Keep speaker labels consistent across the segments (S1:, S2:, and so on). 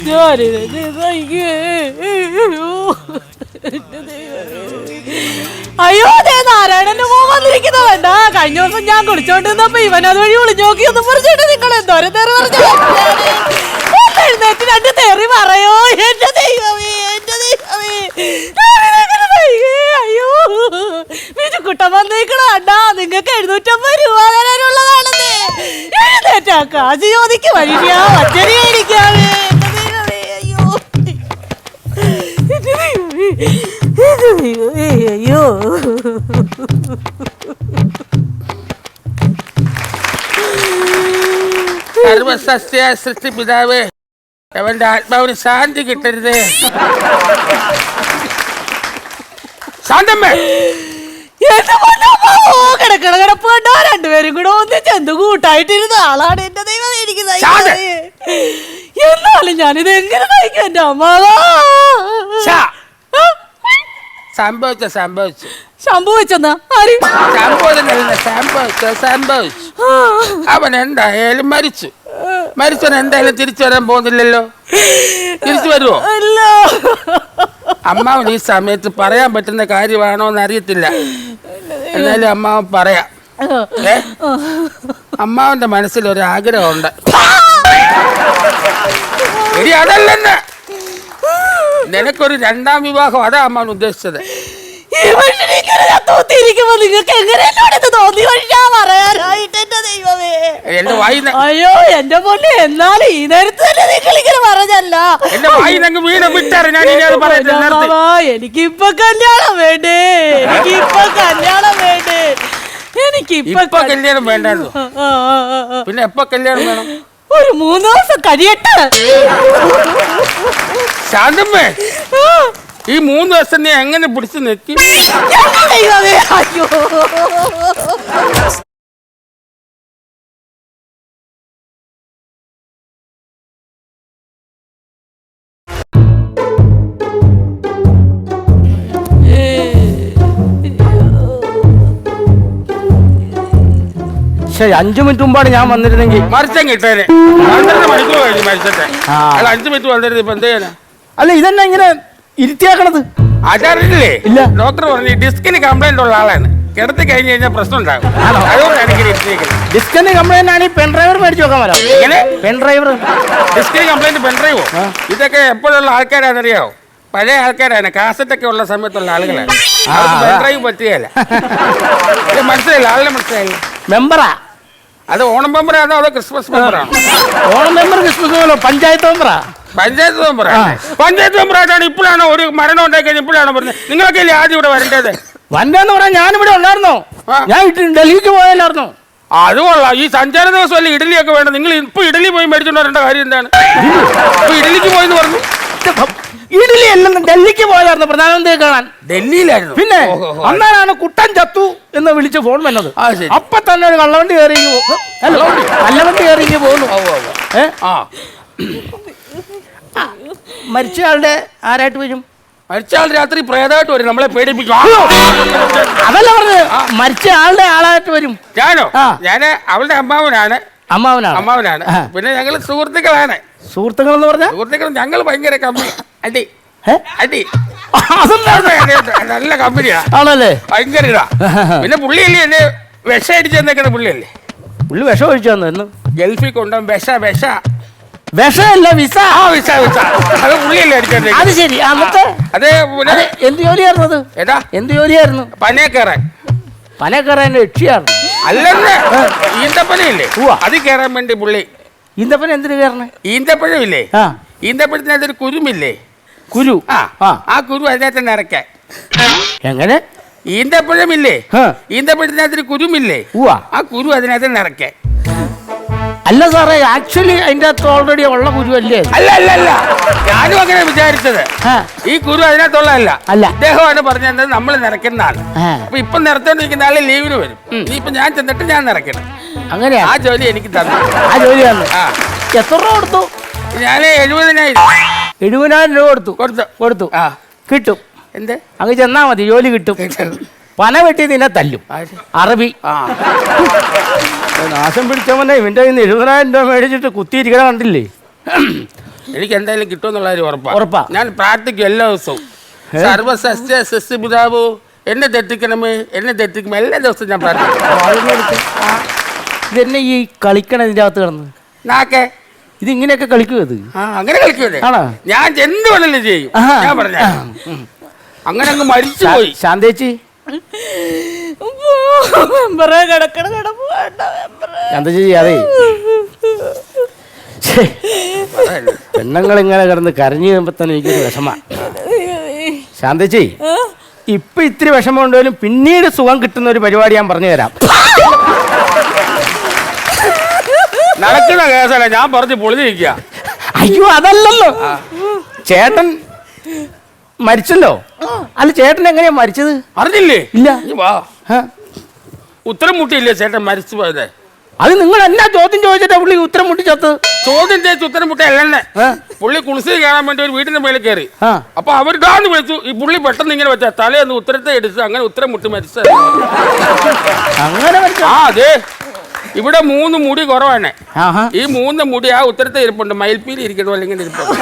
S1: അയ്യോ അതെ നാരായണന്റെ മോൻ വന്നിരിക്കുന്നവണ്ട. കഴിഞ്ഞ ദിവസം ഞാൻ കുളിച്ചോണ്ടിരുന്നപ്പോ ഇവൻ അത് വഴി വിളിച്ചു നോക്കിയൊന്നും പറഞ്ഞിട്ട് നിങ്ങൾ എന്തോരം തെറി പറഞ്ഞു എഴുന്നേറ്റ് രണ്ട് തെറി പറയോ. എന്റെ ദൈവമേ എന്റെ ദൈവമേ. അയ്യോ ബിജുക്കുട്ടൻ വന്നിരിക്കണ അണ്ടാ. നിങ്ങൾക്ക് 750 രൂപ തരാനുള്ളതാണെന്നേ. എഴുന്നേറ്റാ കാശ് ചോദിക്ക് വഴിക്കാ വച്ചരി മേടിക്കാവേ. അയ്യോ
S2: സർവസസ്യ സൃഷ്ടി പിതാവ് അവന്റെ ആത്മാവിന് ശാന്തി കിട്ടരുത്. ശാന്തമ്മേ
S1: കിടക്കണ കിടപ്പ് കണ്ടോ. രണ്ടുപേരും കൂടെ ഒന്നിച്ച് എന്ത് കൂട്ടായിട്ടിരുന്ന ആളാണ്. എന്റെ ദൈവം എനിക്ക് എന്നാലും ഞാനിത് എങ്ങനെ കഴിക്കും എന്റെ അമ്മാവാ. സംഭവിച്ചെന്നാ
S2: അവൻ എന്തായാലും മരിച്ചവൻ എന്തായാലും തിരിച്ചു വരാൻ പോകുന്നില്ലല്ലോ. തിരിച്ചു വരുമോ? അമ്മാവൻ ഈ സമയത്ത് പറയാൻ പറ്റുന്ന കാര്യമാണോ എന്ന് അറിയത്തില്ല. എന്നാലും അമ്മാവൻ പറയാം. അമ്മാവന്റെ മനസ്സിൽ ഒരു ആഗ്രഹമുണ്ട്. ഇനി അതല്ലെന്ന് നിനക്കൊരു 2ാം വിവാഹം. അതാ അമ്മാവൻ ഉദ്ദേശിച്ചത്.
S1: അയ്യോ എന്റെ പൊന്നെ. എന്നാലും ഈ നേരത്ത് തന്നെ നിങ്ങൾ ഇങ്ങനെ പറഞ്ഞല്ല. എനിക്കിപ്പൊ കല്യാണം വേണ്ടേ. എനിക്കിപ്പൊ കല്യാണം വേണ്ടേ.
S2: എനിക്കിപ്പൊ കല്യാണം വേണ്ടായിരുന്നു. പിന്നെ എപ്പോ കല്യാണം വേണം?
S1: ഒരു 3 ദിവസം കഴിയട്ടെ.
S2: ശാന്തമ്മേ ഈ 3 ദിവസം നീ എങ്ങനെ പിടിച്ചു നിൽക്കും?
S1: അയ്യോ
S3: പക്ഷെ 5 മിനിറ്റ് മുമ്പാണ് ഞാൻ വന്നിരുന്നെങ്കിൽ
S2: മരിച്ചാൻ കിട്ടേനെ. 12 മണിക്കൂർ കഴിഞ്ഞു മരിച്ചട്ടെ. അല്ല 5 മിനിറ്റ് വന്നിരുന്നു. ഇപ്പൊ എന്ത് ചെയ്യാനാ?
S3: അല്ല ഇതെന്നെ ഇങ്ങനെ ഇരുത്തിയാക്കണത്?
S2: അതറിയില്ലേ?
S3: ഇല്ല.
S2: ഡോക്ടർ പറഞ്ഞു ഡിസ്കിന് കംപ്ലൈന്റ് ഉള്ള ആളാണ്. കിടത്തി കഴിഞ്ഞ് കഴിഞ്ഞാൽ പ്രശ്നം ഉണ്ടാകും. അതുകൊണ്ടാണ് ഇങ്ങനെ ഇരുത്തിയേക്കുന്നത്.
S3: ഡിസ്കിന് കംപ്ലൈന്റ് ആണ്. പെൻ ഡ്രൈവർ മേടിച്ചു നോക്കാൻ വരാം.
S2: എങ്ങനെ
S3: പെൻ ഡ്രൈവർ?
S2: ഡിസ്കിന് കംപ്ലൈന്റ് പെൻ ഡ്രൈവോ? ഇതൊക്കെ എപ്പോഴുള്ള ആൾക്കാരാണെന്നറിയാവോ? പഴയ ആൾക്കാരാണ്. കാസറ്റൊക്കെ ഉള്ള സമയത്തുള്ള ആളുകളാണ്. പെൻ ഡ്രൈവ് പറ്റുകയല്ല. മനസ്സിലായില്ല? ആളിനെ മനസ്സിലായില്ല?
S3: മെമ്പറാ
S2: അത്? ഓണം മെമ്പറാണോ അതോ ക്രിസ്മസ് മെമ്പറാണോ?
S3: Onam member Christmas member panchayat മെമ്പറാ.
S2: പഞ്ചായത്ത് മെമ്പറാണ്. പഞ്ചായത്ത് മെമ്പറായിട്ടാണ് ഇപ്പോഴാണോ ഒരു മരണം ഉണ്ടായി കഴിഞ്ഞാൽ ഇപ്പോഴാണോ പറഞ്ഞത്? നിങ്ങളൊക്കെ അല്ലേ ആദ്യം ഇവിടെ വരേണ്ടത്?
S3: വന്നെന്ന് പറയാൻ ഞാനിവിടെ ഉണ്ടായിരുന്നോ? ഞാൻ ഡൽഹിക്ക് പോയല്ലായിരുന്നോ?
S2: അത് കൊള്ളാം. ഈ സഞ്ചാര ദിവസം അല്ലേ ഇഡലിയൊക്കെ വേണം. നിങ്ങൾ ഇപ്പൊ ഇഡലി പോയി മേടിച്ചോണ്ട് വരേണ്ട കാര്യം എന്താണ്? ഇപ്പൊ ഇഡലിക്ക് പോയെന്ന് പറഞ്ഞു.
S3: ഇഡലി അല്ലെന്ന് ഡൽഹിക്ക് പോയതായിരുന്നു പ്രധാനമന്ത്രിയെ കാണാൻ.
S2: ഡൽഹിയിലായിരുന്നു.
S3: പിന്നെ അന്നാണ് കുട്ടൻ ചത്തു എന്ന് വിളിച്ച് ഫോൺ വന്നത്. അപ്പൊ തന്നെ ഒരു കള്ളവണ്ടി കയറി കള്ളവണ്ടി കയറി പോകുന്നു. മരിച്ചയാളുടെ ആരായിട്ട് വരും?
S2: മരിച്ചയാൾ രാത്രി പ്രേതമായിട്ട് വരും. നമ്മളെ പേടിപ്പിക്കും.
S3: അതല്ല പറഞ്ഞത്. മരിച്ച ആളുടെ ആളായിട്ട് വരും.
S2: ഞാനോ? ഞാന് അവളുടെ അമ്മാവനാണ്.
S3: അമ്മാവനാണ്.
S2: പിന്നെ ഞങ്ങൾ സുഹൃത്തുക്കളാണ്.
S3: സുഹൃത്തുക്കൾ എന്ന് പറഞ്ഞാൽ
S2: സുഹൃത്തുക്കൾ ഞങ്ങൾ ഭയങ്കര കമ്പനി. അടി അടി നല്ല കമ്പനിയാ.
S3: ആണല്ലേ?
S2: ഭയങ്കര ഇതാ. പിന്നെ പുള്ളിയല്ലേ എന്നെ വിഷം അടിച്ചു തന്നേക്കണ പുള്ളിയല്ലേ?
S3: പുള്ളി വിഷം ഒഴിച്ചു തന്നു.
S2: ഗൾഫിൽ കൊണ്ടുപോകും.
S3: വിഷമല്ല വിസ.
S2: അത് പുള്ളിയല്ലേ അടിച്ചത്?
S3: അത് ശരി. അന്നത്തെ
S2: അതെ.
S3: എന്ത് ജോലിയായിരുന്നു?
S2: ഏതാ
S3: എന്ത് ജോലിയായിരുന്നു?
S2: പനയെ
S3: കയറാൻ രക്ഷയായിരുന്നു.
S2: അല്ലെന്ന് ഈന്തപ്പനയില്ലേ അത് കയറാൻ വേണ്ടി പുള്ളി.
S3: ഈന്തപ്പന എന്തിനു കയറണേ?
S2: ഈന്തപ്പഴമില്ലേ? ഈന്തപ്പഴത്തിനകത്തൊരു കുരുമില്ലേ?
S3: കുരു.
S2: ആ കുരു അതിനകത്ത് നിറയ്ക്കാൻ.
S3: എങ്ങനെ?
S2: ഈന്തപ്പഴമില്ലേ? ഈന്തപ്പഴത്തിനകത്തൊരു കുരുമില്ലേ? ആ കുരു അതിനകത്ത് നിറയ്ക്കാൻ.
S3: അല്ല സാറേ, ആക്ച്വലി അതിന്റെ അകത്ത് ഓൾറെഡി ഉള്ള കുരു അല്ലേ?
S2: അല്ല ഞാനും അങ്ങനെ വിചാരിച്ചത്. ഈ കുരു അതിനകത്തുള്ളതല്ല. അദ്ദേഹമാണ് പറഞ്ഞത് നമ്മൾ നിറയ്ക്കുന്നതാണ്. അപ്പൊ ഇപ്പൊ നിറച്ചോണ്ടിരിക്കുന്ന ആള് ലീവിന് വരും. ഇനിയിപ്പൊ ഞാൻ ചെന്നിട്ട് ഞാൻ നിറയ്ക്കണം.
S3: അങ്ങനെ
S2: ആ ജോലി എനിക്ക് തന്നു.
S3: ആ ജോലി തന്നു. എത്ര രൂപ കൊടുത്തു?
S2: ഞാൻ 70,000
S3: രൂപ കൊടുത്തു. കിട്ടും.
S2: എന്ത്?
S3: അങ്ങ് ചെന്നാ മതി, ജോലി കിട്ടും. പന വെട്ടി നിന്നെ തല്ലും. അറബി നാശം പിടിച്ചവനെ ഇവന്റെ 70,000 രൂപ മേടിച്ചിട്ട് കുത്തിയിരിക്കണ കണ്ടില്ലേ?
S2: എനിക്ക് എന്തായാലും കിട്ടുമെന്നുള്ള കാര്യം
S3: ഉറപ്പാ.
S2: ഉറപ്പാ. ഞാൻ പ്രാർത്ഥിക്കും എല്ലാ ദിവസവും. സർവസസ്യ സസ്യപിതാവോ എന്നെ തെറ്റിക്കണമേ, എന്നെ തെറ്റിക്കുമേ, എല്ലാ ദിവസവും ഞാൻ പ്രാർത്ഥിക്കും.
S3: ഇതെന്നെ ഈ കളിക്കണ ഇതിന്റെ അകത്ത് കിടന്ന്
S2: നാക്കെ
S3: ഇത് ഇങ്ങനെയൊക്കെ കളിക്കും ഇത്.
S2: അങ്ങനെ കളിക്കൂലേ?
S3: ആണോ?
S2: ഞാൻ എന്ത് വേണമെങ്കിലും ചെയ്യും. ഞാൻ പറഞ്ഞ അങ്ങനെ അങ്ങ് മരിച്ചു പോയി.
S3: ശാന്തേച്ചി ശാന്തേച്ചി അതെ പെണ്ണുങ്ങൾ ഇങ്ങനെ കിടന്ന് കരഞ്ഞു കഴിയുമ്പോ തന്നെ എനിക്കൊരു വിഷമ. ശാന്തേച്ചി ഇപ്പൊ ഇത്തിരി വിഷമം ഉണ്ടെങ്കിലും പിന്നീട് സുഖം കിട്ടുന്ന ഒരു പരിപാടി ഞാൻ പറഞ്ഞു തരാം.
S2: നടക്കുന്ന കേസല്ല, ഞാൻ പറഞ്ഞു പൊളിഞ്ഞിരിക്കുക.
S3: അയ്യോ അതല്ലല്ലോ, ചേട്ടൻ മരിച്ചല്ലോ. അല്ല ചേട്ടൻ എങ്ങനെയാ മരിച്ചത്?
S2: അറിഞ്ഞില്ലേ?
S3: ഇല്ല.
S2: വാ, ഉത്തരം മുട്ടിയില്ലേ ചേട്ടൻ മരിച്ചു പോയത്?
S3: അത് നിങ്ങൾ എന്നാ ചോദ്യം ചോദിച്ചിട്ടാ പുള്ളി ഉത്തരം മുട്ടിച്ചത്ത്?
S2: ചോദ്യം ചോദിച്ചു ഉത്തരം മുട്ടയല്ലേ. പുള്ളി കുളിച്ച് കയറാൻ വേണ്ടി ഒരു വീടിന്റെ മേളിൽ കയറി. അപ്പൊ അവരിടാന്ന് വിളിച്ചു. ഈ പുള്ളി പെട്ടെന്ന് ഇങ്ങനെ വെച്ചാ തലേന്ന് ഉത്തരത്തെ എടുത്ത് അങ്ങനെ ഉത്തരം മുട്ടി മരിച്ചത്.
S3: അങ്ങനെ
S2: ആ അതെ, ഇവിടെ 3 മുടി കുറവാണ്. ഈ 3 മുടി ആ ഉത്തരത്തെ ഇരിപ്പുണ്ട്. മയിൽപ്പീലി ഇരിക്കണോ അല്ലെങ്കിൽ ഇരിപ്പുണ്ട്.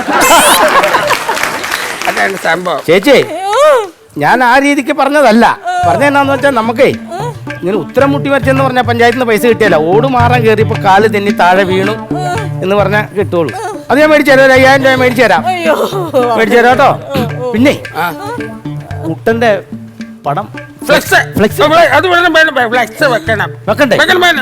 S2: അതാണ് സംഭവം.
S3: ചേച്ചി ഞാൻ ആ രീതിക്ക് പറഞ്ഞതല്ല. പറഞ്ഞെന്നാന്ന് വെച്ചാൽ നമുക്കേ ഇങ്ങനെ ഉത്തരം മുട്ടി മരിച്ചെന്ന് പറഞ്ഞാൽ പഞ്ചായത്തിൽ നിന്ന് പൈസ കിട്ടിയല്ല. ഓട് മാറാൻ കയറിയപ്പോ കാല് തെന്നി താഴെ വീണു എന്ന് പറഞ്ഞാൽ കിട്ടുള്ളൂ. അത് ഞാൻ മേടിച്ചു തരാം. 5000 രൂപ മേടിച്ചു തരാം. മേടിച്ചു തരാം കേട്ടോ. പിന്നെ കുട്ടന്റെ പടം
S2: ഫ്ലെക്സ് വെക്കണം.
S3: വെക്കണ്ടേ?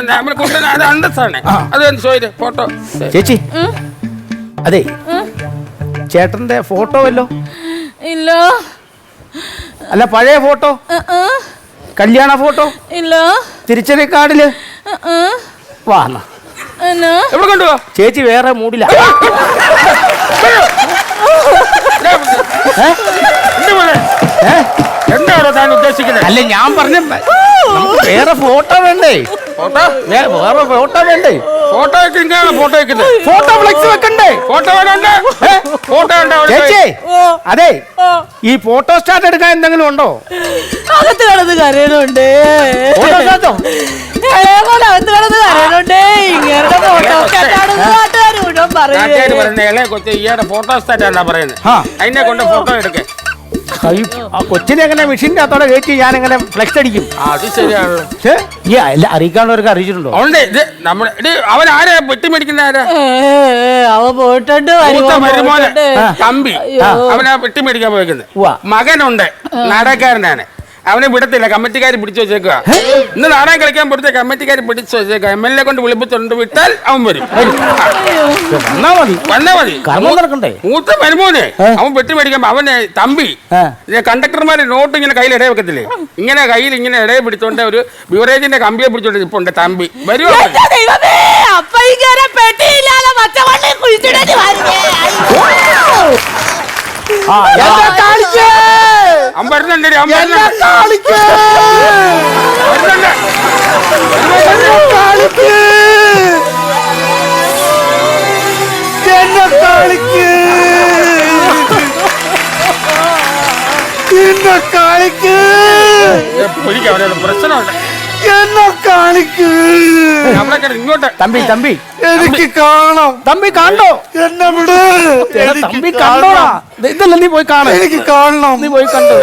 S2: ഫോട്ടോ
S3: ചേച്ചി അതെ ചേട്ടന്റെ ഫോട്ടോ വല്ലോ?
S1: ഇല്ല.
S3: അല്ല പഴയ ഫോട്ടോ, കല്യാണ ഫോട്ടോ
S1: ഇല്ല.
S3: തിരിച്ചറി കാർഡില് വാ
S2: എവിടെ കൊണ്ടുപോ.
S3: ചേച്ചി വേറെ മൂടില്ല.
S2: എന്താണോ താൻ ഉദ്ദേശിക്കുന്നത്?
S3: അല്ല ഞാൻ പറഞ്ഞ വേറെ ഫോട്ടോ വേണ്ടേ?
S2: ഫോട്ടോ
S3: വേറെ ഫോട്ടോ വേണ്ടേ?
S2: ഫോട്ടോ ഫോട്ടോ വെക്കുന്നത്.
S3: ഫോട്ടോ ഫ്ലെക്സ് വെക്കണ്ടേ?
S2: ഫോട്ടോ വേണ്ട. ഫോട്ടോ
S3: ചേച്ചി അതെ ഈ ഫോട്ടോ സ്റ്റാർട്ട് എടുക്കാൻ എന്തെങ്കിലും ഉണ്ടോ?
S1: അകത്ത് കിടന്ന് കരയണുണ്ട്.
S3: ഫോട്ടോ സ്റ്റാർട്ടോ?
S1: അകത്ത് കിടന്ന് കരയണുണ്ട്. ഇങ്ങനെ ഫോട്ടോ നാട്ടുകാർ മുഴുവൻ പറയുന്നത്
S2: ഇളയ കൊച്ചു ഈയുടെ ഫോട്ടോ സ്റ്റാറ്റാ പറയുന്നത്. അതിനെ കൊണ്ട് ഫോട്ടോ എടുക്കേ.
S3: ആ കൊച്ചിനെ എങ്ങനെ മെഷീൻ്റെ അകത്തോടെ കയറ്റി ഞാൻ എങ്ങനെ ഫ്ലെക്സ് അടിക്കും?
S2: അത് ശരിയാണല്ലോ.
S3: ഈ അറിയിക്കാനുള്ളവർക്ക് അറിയിച്ചിട്ടുണ്ടോ?
S2: അവൻ ആരാ വെട്ടി മേടിക്കുന്ന ആരാ?
S1: അവ പോയിട്ടുണ്ട്
S2: തമ്പി. അവനാ വെട്ടി മേടിക്കാൻ പോയിക്കുന്നത്. മകനുണ്ട് നാടകക്കാരനാണ്. അവനെ വിടത്തില്ല, കമ്മിറ്റിക്കാർ പിടിച്ചു വെച്ചേക്കുക. ഇന്ന് നാടകം കളിക്കാൻ പോലത്തെ കമ്മിറ്റിക്കാർ പിടിച്ചു വെച്ചേക്കുക. MLA കൊണ്ട് വിളിപ്പിച്ചുകൊണ്ട് വിട്ടാൽ അവൻ വരും. വന്നാ മതി. മൂത്ത മരുമോനെ അവൻ വെട്ടി മേടിക്കുമ്പോ അവന് തമ്പി കണ്ടക്ടർമാര് നോട്ട് ഇങ്ങനെ കയ്യിൽ ഇടയെ വെക്കത്തില്ലേ, ഇങ്ങനെ കയ്യിൽ ഇങ്ങനെ ഇടയെ പിടിച്ചോണ്ട് ഒരു ബിവറേജിന്റെ കമ്പിയെ പിടിച്ചോണ്ട് ഇപ്പൊ ഉണ്ട് തമ്പി. വരുമോ? പ്രശ്നമുണ്ട്. ഇങ്ങോട്ട്
S3: തമ്പി തമ്പി എനിക്ക് കാണാം. തമ്പി കാണോ? എന്നെ വിട്. തമ്പി കണ്ടോടാ. ഇതല്ല നീ പോയി കാണാം. എനിക്ക് കാണണം. നീ പോയി കണ്ടോ?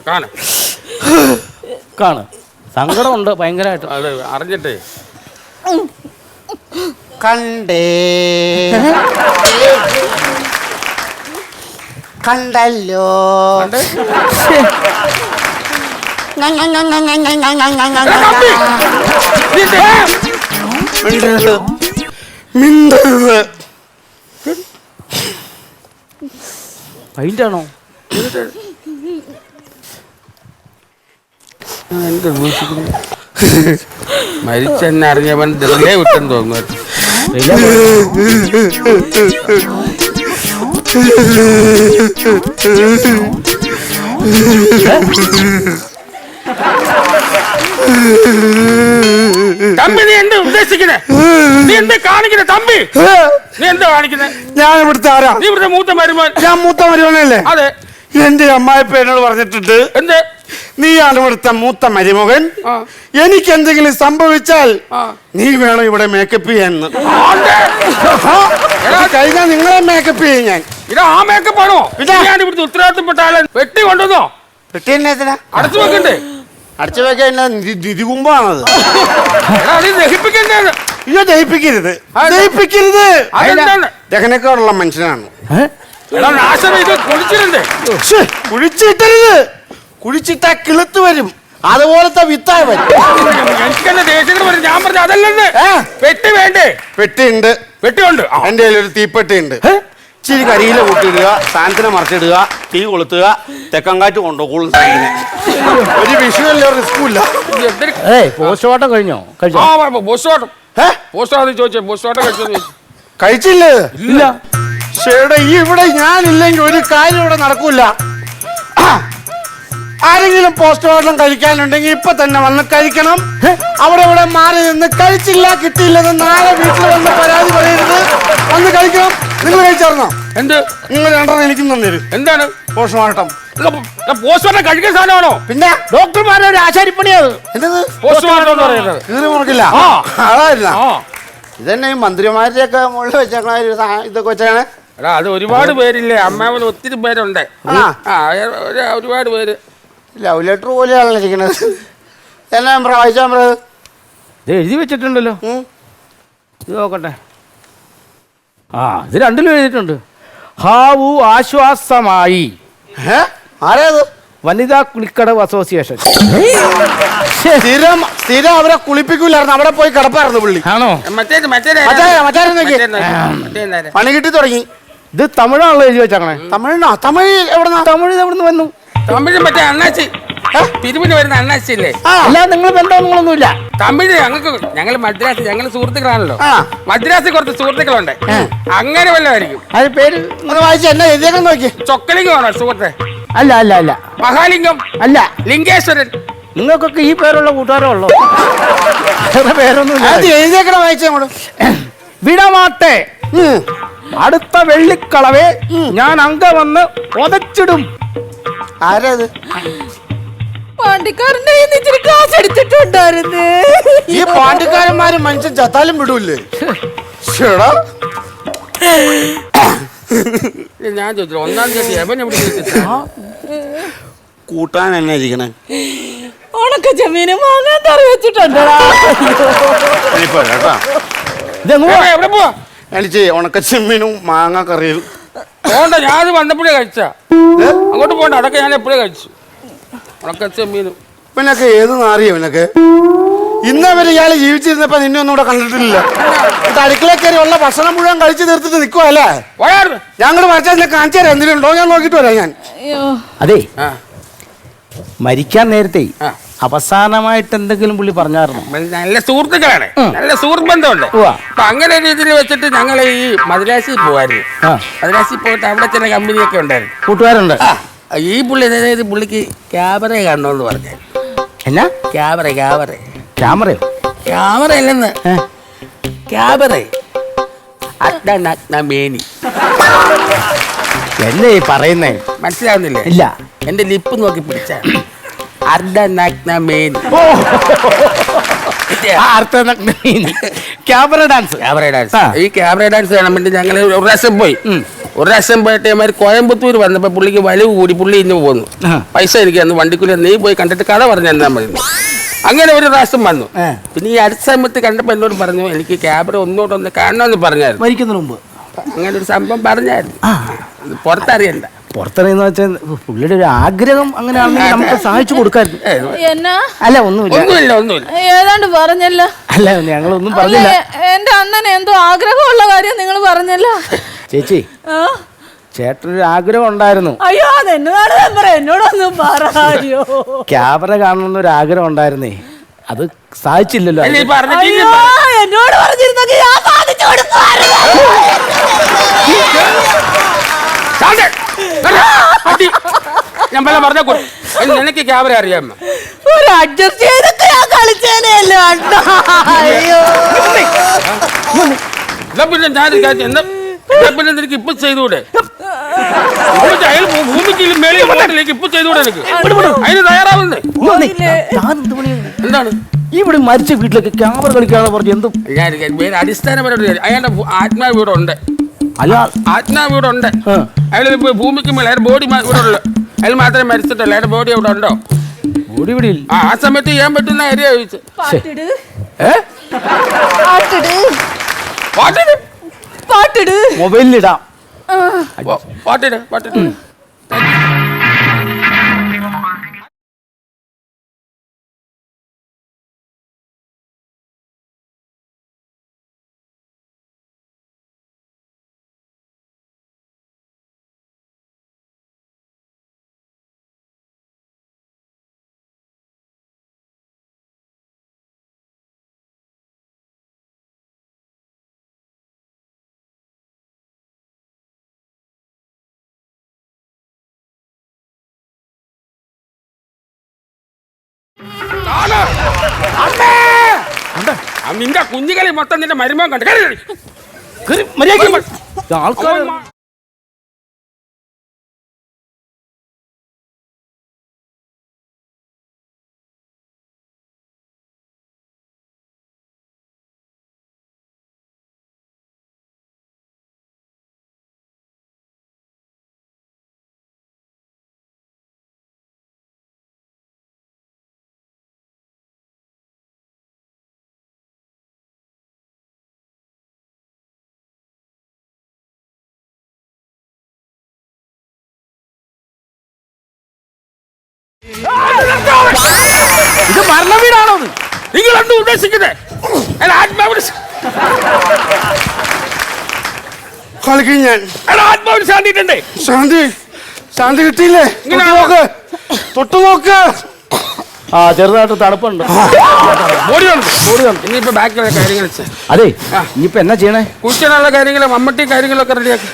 S3: കാണ്. സങ്കടമുണ്ട് ഭയങ്കരമായിട്ട്.
S2: അത് അറിഞ്ഞിട്ടേ
S4: കണ്ടേ കണ്ടല്ലോ.
S3: പൈൻ്റാണോ?
S2: മരിച്ചെന്നറിഞ്ഞവൻ വെറുതെ വിട്ടെന്ന് തോന്നുന്നു. തമ്പി നീ എന്താ ഉദ്ദേശിക്കുന്നത്? നീ എന്താ കാണിക്കുന്നത്? തമ്പി നീ എന്താ കാണിക്കുന്നത്?
S4: ഞാൻ ഇവിടുത്തെ ആരാ?
S2: നീ ഇവിടുത്തെ മൂത്ത മരുമോൻ.
S4: ഞാൻ മൂത്ത മരുമോനല്ലേ?
S2: അതെ.
S4: എന്റെ അമ്മായിപ്പ എന്നോട് പറഞ്ഞിട്ടുണ്ട്
S2: എന്ത്
S4: നീയാണ് ഇവിടുത്തെ മൂത്ത മരുമകൻ. എനിക്ക് എന്തെങ്കിലും സംഭവിച്ചാൽ നീ വേണം ഇവിടെ മേക്കപ്പ് ചെയ്യാന്ന്. കഴിഞ്ഞാൽ നിങ്ങളെ മേക്കപ്പ് ചെയ്യും ഞാൻ.
S2: ഇത് ആ മേക്കപ്പ് ആണോ? ഞാൻ ഇവിടുത്തെ ഉത്തരവാദിത്തപ്പെട്ട ആളെ വെട്ടി കൊണ്ടുവന്നോ?
S4: പെട്ടി എന്നാ
S2: അടച്ചു വെക്കണ്ടേ?
S4: അടച്ചു വെക്കാൻ നിധികുമ്പാണത്.
S2: ദഹിപ്പിക്കണ്ടേ?
S4: ഇയ്യോ, ദഹിപ്പിക്കരുത്, ദഹിപ്പിക്കരുത്.
S2: അതെന്താണ്?
S4: ദഹനക്കാരുള്ള മനുഷ്യനാണ്. കുഴിച്ചിട്ടരുത്. കുഴിച്ചിട്ടാ കിളുത്ത് വരും. അതുപോലത്തെ വിത്തായ വരും.
S2: എനിക്കെന്നെ ദേശങ്ങൾ വരും. ഞാൻ പറഞ്ഞ അതല്ലേ പെട്ടി വേണ്ടേ?
S4: പെട്ടിയുണ്ട്,
S2: പെട്ടിയുണ്ട്.
S4: എന്റെ കയ്യിൽ ഒരു തീപ്പെട്ടിയുണ്ട്. ഇച്ചിരി കരിയില കൂട്ടിയിടുക, സാധനത്തിനെ മറിച്ചിടുക, തീ കൊളുത്തുക, തെക്കങ്കാറ്റ് കൊണ്ടുപോകും. ഒരു വിഷയമല്ല, റിസ്കും ഇല്ല.
S3: പോസ്റ്റ്മോർട്ടം കഴിഞ്ഞോ?
S2: പോസ്റ്റ്മോർട്ടം പോസ്റ്റ്മോർട്ടം ചോദിച്ചേ, പോസ്റ്റ്മോർട്ടം കഴിച്ചോ?
S4: കഴിച്ചില്ലേ?
S3: ഇല്ല.
S4: ചേട്ടാ, ഈ ഇവിടെ ഞാനില്ലെങ്കിൽ ഒരു കാര്യം ഇവിടെ നടക്കൂല. ആരെങ്കിലും പോസ്റ്റ്മോർട്ടം കഴിക്കാനുണ്ടെങ്കിൽ ഇപ്പൊ തന്നെ വന്ന് കഴിക്കണം. അവിടെ ഇവിടെ മാറി നിന്ന് കഴിച്ചില്ല, കിട്ടിയില്ലെന്ന് നാളെ വീട്ടിൽ വന്ന് പരാതി പറയരുത്. വന്ന് കഴിക്കണം. നിങ്ങൾ കഴിച്ചായിരുന്നോ?
S2: എന്ത്?
S4: നിങ്ങൾ രണ്ടെണ്ണം എനിക്കും തന്നേരും.
S2: എന്താണ്
S4: പോസ്റ്റ്മോർട്ടം?
S2: പോസ്റ്റ്മോർട്ടം കഴിക്കുന്ന സാധനമാണോ?
S4: പിന്നെ
S3: ഡോക്ടർമാരുടെ ഒരു ആശാരിപ്പണിയത്.
S4: എന്നത്
S2: പോസ്റ്റ്മോർട്ടം എന്ന് പറയുന്നത്?
S4: കീറി മുറക്കില്ല. അതായിരുന്ന ഇതന്നെ ഈ മന്ത്രിമാരുടെ ഒക്കെ മുകളിൽ വെച്ചേക്കണ ഇതൊക്കെ വെച്ചാണ്.
S2: എടാ, അത് ഒരുപാട് പേരില്ലേ? അമ്മാവന് ഒത്തിരി പേരുണ്ട്. ഒരുപാട് പേര്.
S4: ലവ് ലെറ്റർ പോലെയാണല്ലോ ഇരിക്കണത്. എന്നാ വായിച്ചാ
S3: ഇത് എഴുതി വെച്ചിട്ടുണ്ടല്ലോ. ഇത് നോക്കട്ടെ. ഇത് രണ്ടിലും എഴുതിയിട്ടുണ്ട്. ഹാവു ആശ്വാസമായി.
S4: ആരേത്?
S3: വനിതാ കുളിക്കടവ് അസോസിയേഷൻ.
S4: സ്ഥിരം അവരെ കുളിപ്പിക്കൂലായിരുന്നു. അവിടെ പോയി കിടപ്പായിരുന്നു പുള്ളി.
S3: ആണോ?
S4: പണി കിട്ടി തുടങ്ങി.
S3: ഇത് തമിഴാണല്ലോ എഴുതി വെച്ചാണേ.
S4: തമിഴിനോ? തമിഴ് എവിടെന്നാ?
S3: തമിഴ് എവിടുന്ന് വന്നു?
S2: തമിഴ് മറ്റേ അണ്ണാച്ചി, പിരിവിന് വരുന്ന അണ്ണാച്ചി ഇല്ലേ?
S3: അല്ലാതെ നിങ്ങൾ ബന്ധമൊന്നുമില്ല.
S2: തമിഴ് ഞങ്ങൾ മദ്രാസ്, ഞങ്ങൾ സുഹൃത്തുക്കളാണല്ലോ. മദ്രാസിൽ കുറച്ച് സുഹൃത്തുക്കളുണ്ട്. അങ്ങനെ വല്ലതായിരിക്കും.
S3: അത് പേര്
S4: വായിച്ച എന്നാ എഴുതിയേക്കാൻ നോക്കി.
S2: ചൊക്കലിംഗം ആണോ സുഹൃത്തെ?
S3: അല്ല അല്ല അല്ല.
S2: മഹാലിംഗം
S3: അല്ല.
S2: ലിംഗേശ്വരൻ.
S3: നിങ്ങൾക്കൊക്കെ ഈ പേരുള്ള കൂട്ടുകാരോ ഉള്ളോ? പേരൊന്നും
S4: എഴുതിയേക്കണ വായിച്ചോളൂ.
S3: വിടമാട്ടെ, അടുത്ത വെള്ളിക്കളവേ ഞാൻ അങ്ക വന്ന് ഒതച്ചിടും.
S4: ആരത്?
S1: പാണ്ടിക്കാരന്റെ ഇച്ചിരി കാശ് എടുത്തിട്ടുണ്ടായിരുന്നു.
S4: ഈ പാണ്ടിക്കാരന്മാര് മനുഷ്യൻ ചത്താലും വിടൂല്ലേ?
S2: ഞാൻ ചോദിച്ചു, ഒന്നാം തീയതി എവൻ എവിടെ
S4: കൂട്ടാൻ എന്നെ ഇരിക്കണേ?
S1: ഉണക്ക ചെമ്മീന് വാങ്ങാൻ കറി വെച്ചിട്ടുണ്ടടാ.
S2: എവിടെ പോവാ?
S4: എനിക്ക് ഉണക്ക ചെമ്മീനും മാങ്ങ കറിയും
S2: പോണ്ട. ഞാൻ വന്നപ്പോഴേ കഴിച്ച. അങ്ങോട്ട് പോണ്ട, അതൊക്കെ ഞാൻ എപ്പോഴേ കഴിച്ചു. ഉണക്ക ചെമ്മീനും.
S4: പിന്നൊക്കെ ഏത് നാറിയോ ഇവനൊക്കെ? ഇന്നവര് ഇയാള് ജീവിച്ചിരുന്നപ്പോ നിന്നെ ഒന്നും ഇവിടെ കണ്ടിട്ടില്ല. അടുക്കള കയറി ഉള്ള ഭക്ഷണം മുഴുവൻ കഴിച്ചു തീർത്തിട്ട് നിൽക്കുവല്ലേ? ഞങ്ങൾ മറ്റേ കാണിച്ചു തരാം. എന്തിനുണ്ടോ ഞാൻ നോക്കിട്ട് വരാം. ഞാൻ
S3: അതെ, മരിക്കാൻ നേരത്തെ അവസാനമായിട്ട് എന്തെങ്കിലും പുള്ളി പറഞ്ഞായിരുന്നു?
S2: നല്ല സുഹൃത്തുക്കളാണ്, നല്ല സുഹൃത്ത് ബന്ധമുണ്ട്. അപ്പൊ അങ്ങനെ രീതിയിൽ വെച്ചിട്ട് ഞങ്ങൾ ഈ മദ്രാസിൽ പോവായിരുന്നു. മദ്രാസിൽ പോയിട്ട് അവിടെ ചില കമ്പനിയൊക്കെ ഉണ്ടായിരുന്നു,
S3: കൂട്ടുകാരുണ്ട്.
S2: ഈ പുള്ളി അതായത് പുള്ളിക്ക് ക്യാമറ കാണണമെന്ന് പറഞ്ഞു.
S3: എന്നാ
S2: ക്യാമറ?
S3: ക്യാമറയോ?
S2: ക്യാമറ അല്ലെന്ന്, ക്യാമറ. മേനി
S3: എന്നെ ഈ പറയുന്നേ
S2: മനസ്സിലാവുന്നില്ലേ?
S3: ഇല്ല.
S2: എന്റെ ലിപ്പ് നോക്കി പിടിച്ച മേനി.
S3: Camera dance.
S2: ഈ ക്യാമറ ഡാൻസ് കാണാൻ വേണ്ടി ഞങ്ങൾ ഒരു പ്രാവശ്യം പോയി. ഒരു പ്രാവശ്യം പോയിട്ട് മാതിരി കോയമ്പത്തൂർ വന്നപ്പോ പുള്ളിക്ക് വലിവ് കൂടി പുള്ളി ഇന്ന് പോന്നു. പൈസ എനിക്ക് അന്ന് വണ്ടിക്കൂലി നീ പോയി കണ്ടിട്ട് കഥ പറഞ്ഞു തന്നാ മതി. അങ്ങനെ ഒരു പ്രാവശ്യം വന്നു. പിന്നെ ഈ അടുത്ത സമയത്ത് കണ്ടപ്പോ എന്നോട് പറഞ്ഞു എനിക്ക് ക്യാമറ ഒന്നോട്ടൊന്ന് കാണണമെന്ന് പറഞ്ഞായിരുന്നു.
S3: മരിക്കുന്നതിന് മുമ്പ്
S2: അങ്ങനെ ഒരു സംഭവം പറഞ്ഞായിരുന്നു. പുറത്തറിയണ്ട.
S3: പുറത്തറിയുന്ന വെച്ചാൽ പുള്ളിയുടെ ഒരു ആഗ്രഹം അങ്ങനെയാണെങ്കിൽ നമുക്ക് സഹായിച്ചു കൊടുക്കായിരുന്നു. അല്ല ഒന്നുമില്ല.
S1: ഏതാണ്ട് പറഞ്ഞല്ലോ.
S3: അല്ല ഞങ്ങളൊന്നും പറഞ്ഞില്ല.
S1: എന്റെ അണ്ണന് എന്തോ ആഗ്രഹമുള്ള കാര്യം നിങ്ങൾ പറഞ്ഞല്ലോ.
S3: ചേച്ചി, ചേട്ടനൊരു ആഗ്രഹം ഉണ്ടായിരുന്നു.
S1: അയ്യോ, അതെന്നോട് എന്നോടൊന്നും പറയോ.
S3: ക്യാമറ കാണണമെന്നൊരു ആഗ്രഹം ഉണ്ടായിരുന്നേ, അത് സാധിച്ചില്ലല്ലോ.
S1: എന്നോട് പറഞ്ഞിരുന്നെങ്കിൽ ഞാൻ സാധിച്ചു കൊടുക്കുമായിരുന്നു.
S2: ഞാൻ പറഞ്ഞ നിനക്ക് ക്യാമറ അറിയാമോ?
S1: ഒരു അഡ്ജസ്റ്റ് ചെയ്തൊക്കെ ഞാൻ കളിച്ചേനെയല്ലോ അണ്ണാ. അയ്യോ,
S2: പിന്നെ ഞാൻ എന്നാ പിന്നെ നിനക്ക് ഇപ്പൊ ചെയ്തുകൂടെ? അയാൾ ഭൂമിക്ക് മേളിൽ പോകട്ടിലേക്ക് ഇപ്പൊ ചെയ്തുകൂടെ എനിക്ക്? അതിന് തയ്യാറാവുന്നേ. എന്താണ്
S3: ഇവിടെ മരിച്ച വീട്ടിലേക്ക് ക്യാമറ കളിക്കാതെ പറഞ്ഞു എന്തും
S2: അടിസ്ഥാനപരമായിട്ട് അയാളുടെ ആത്മാവ് ഇവിടെ ഉണ്ട്.
S3: അല്ല
S2: ആത്മാവ് ഇവിടെ ഉണ്ട്. അയാൾ ഭൂമിക്ക് മേലെ അയാളുടെ ബോഡി ഇവിടെ ഉള്ളു. അയാൾ മാത്രമേ മരിച്ചിട്ടുള്ളൂ. അയാളുടെ ബോഡി അവിടെ ഉണ്ടോ?
S3: ബോഡി ഇവിടെ ഇല്ല.
S2: ആ സമയത്ത് ചെയ്യാൻ പറ്റുന്ന കാര്യം ചോദിച്ചു.
S3: മൊബൈലിലിടാം.
S2: പാട്ടിട്. നിന്റെ കുഞ്ഞുകളി മൊത്തം നിന്റെ മരുമോൻ കണ്ടു.
S3: ആൾക്കാർ ഇത് മരണ വീടാണോ?
S2: നിങ്ങൾ എന്ത് ഉദ്ദേശിക്കുന്നത്?
S4: കളിക്കും ഞാൻ.
S2: ആത്മാവിന് ശാന്തിട്ടുണ്ടേ.
S4: ശാന്തി കിട്ടിയില്ലേ? തൊട്ടു നോക്ക്.
S3: ആ ചെറുതായിട്ട് തണുപ്പുണ്ട്.
S2: ഇനിയിപ്പോ ബാക്കിയുള്ള കാര്യങ്ങൾ
S3: അതെ ഇനിയിപ്പോ എന്നാ ചെയ്യണേ?
S2: കുഴിച്ചിനുള്ള കാര്യങ്ങളും മമ്മട്ടി കാര്യങ്ങളൊക്കെ റെഡിയാക്കി.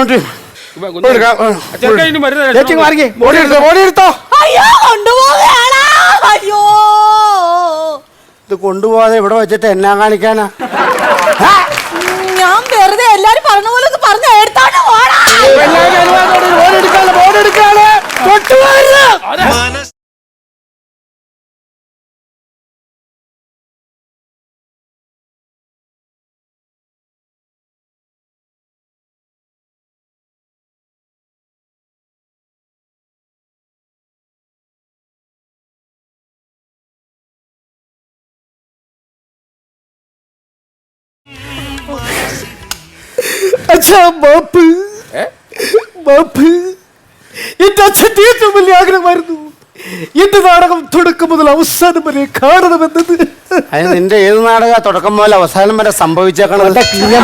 S4: ഇത് കൊണ്ടുപോകാതെ ഇവിടെ വെച്ചിട്ട് എന്നാ കാണിക്കാനാ?
S1: ഞാൻ വെറുതെ എല്ലാരും പറഞ്ഞ പോലെ പറഞ്ഞ എടുത്തോണ്ട്
S5: अच्छा बाप എന്റെ അച്ഛൻ്റെ ഏറ്റവും വലിയ ആഗ്രഹമായിരുന്നു എന്റെ നാടകം തുടക്കം മുതൽ അവസാനം വരെ കാണണമെന്നത്.
S4: അതിന് നിന്റെ ഏത് നാടക തുടക്കം മുതൽ അവസാനം വരെ സംഭവിച്ചേക്കണത്?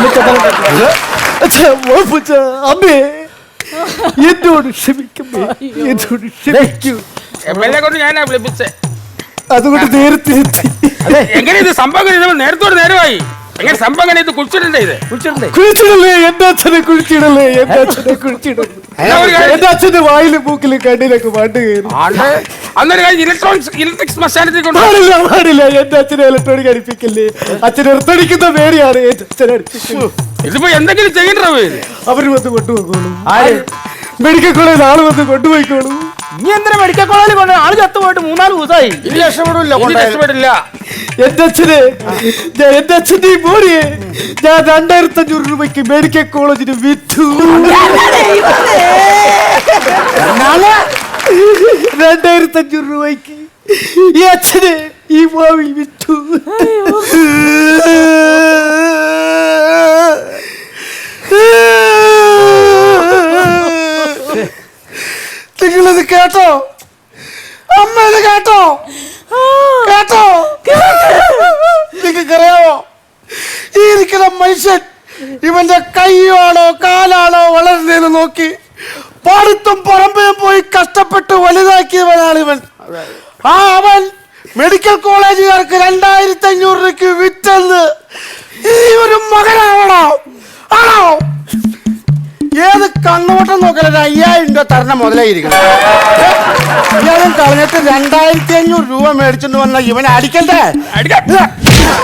S5: അമ്മേ എന്നോട് ക്ഷമിക്കമ്മേ, എന്നോട് ക്ഷമിക്കൂ.
S2: ഞാനാ വിളിപ്പിച്ചേ.
S5: അതുകൊണ്ട് നേരത്തെ എത്തി.
S2: എങ്ങനെ ഇത് സംഭവം നേരത്തോട് നേരമായി? എങ്ങനെ സംഭവം ഇത് കുഴിച്ചിടണ്ടേ? ഇത്
S5: കുഴിച്ചിടല്ലേ എന്റെ അച്ഛനെ, കുഴിച്ചിടല്ലേ എന്റെ അച്ഛനെ, കുഴിച്ചിടല്ലേ എന്റെ അച്ഛന്റെ വായിലും മൂക്കിലും കണ്ണിലൊക്കെ പാട്ട് കയറി.
S2: ഇലക്ട്രിക് ശ്മശാനത്തിൽ
S5: പാടില്ല എന്റെ അച്ഛനെ ഇലക്ട്രോണിക് അടിപ്പിക്കല്ലേ. അച്ഛനെ എർത്തടിക്കുന്ന പേടിയാണ് എന്റെ അച്ഛനെ അടിപ്പിക്കല്.
S2: ഇതിപ്പോ എന്തെങ്കിലും ചെയ്യണ്ടോ?
S5: അവര് വന്ന് കൊണ്ടുപോയിക്കോളൂ. മെഡിക്കൽ കോളേജിൽ ആള് വന്ന് കൊണ്ടുപോയിക്കോളൂ.
S3: ഇനി എന്തിനാ മെഡിക്കൽ കോളേജിൽ കൊണ്ട്? ആള് ചത്തുപോയിട്ട് 3-4 ദിവസമായി.
S2: ഇനി രക്ഷപ്പെടില്ല.
S5: എന്റെ അച്ഛന്റെ ഈ ബോഡിയെ ഞാൻ 2500 രൂപയ്ക്ക് മെഡിക്കൽ കോളേജിന് വിറ്റു. 2500 രൂപയ്ക്ക് ഈ അച്ഛനെ ഈ ഭാവി വിറ്റു. നിങ്ങളിത് കേട്ടോ? അമ്മ ഇത് കേട്ടോ? നിങ്ങൾക്കറിയാമോ ഈ ഇരിക്കുന്ന മനുഷ്യൻ ഇവന്റെ കൈയാണോ കാലാണോ വളരുന്നതെന്ന് നോക്കി പാടത്തും പറമ്പിലും പോയി കഷ്ടപ്പെട്ട് വലുതാക്കിയവനാണ് ഇവൻ. അവൻ മെഡിക്കൽ കോളേജുകാർക്ക് 2500 രൂപയ്ക്ക് വിറ്റെന്ന് ഈ ഒരു മകനാണോ? ആണോ? ഏത് കണ്ണോട്ടം നോക്കല 5000 രൂപ തരണം മുതലായിരിക്കണം. ഇയാളും കളഞ്ഞിട്ട് 2500 രൂപ മേടിച്ചോണ്ട് വന്ന ഇവനെ അടിക്കണ്ടേ?